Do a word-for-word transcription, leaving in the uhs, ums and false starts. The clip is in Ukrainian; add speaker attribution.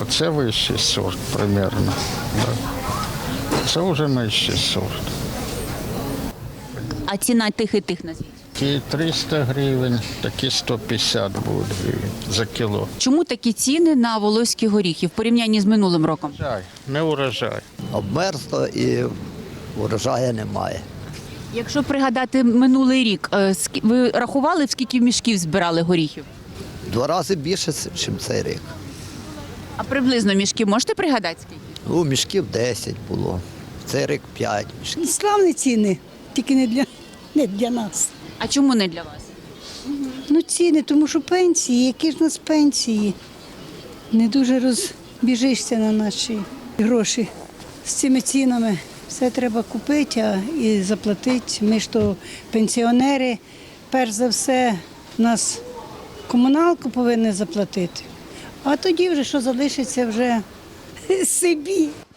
Speaker 1: Оце вищий сорт примерно. Да. Це вже нижчий сорт.
Speaker 2: А ціна тих і тих назвіть.
Speaker 1: Ті триста гривень, такі сто п'ятдесят будуть гривень за кіло.
Speaker 2: Чому такі ціни на волоські горіхи в порівнянні з минулим роком?
Speaker 1: Урожай, не урожай.
Speaker 3: Обмерзло і урожаю немає.
Speaker 2: Якщо пригадати минулий рік, е, скі- ви рахували, в скільки мішків збирали горіхів?
Speaker 3: Два рази більше, ніж цей рік.
Speaker 2: А приблизно мішків можете пригадати скільки?
Speaker 3: Ну, мішків десять було, цей рік п'ять мішків.
Speaker 4: Славні ціни, тільки не для, не для нас.
Speaker 2: А чому не для вас?
Speaker 4: Ну ціни, тому що пенсії, які ж у нас пенсії. Не дуже розбіжишся на наші гроші. З цими цінами все треба купити а і заплатити. Ми ж то пенсіонери, перш за все, нас комуналку повинні заплатити. А тоді вже що залишиться вже собі.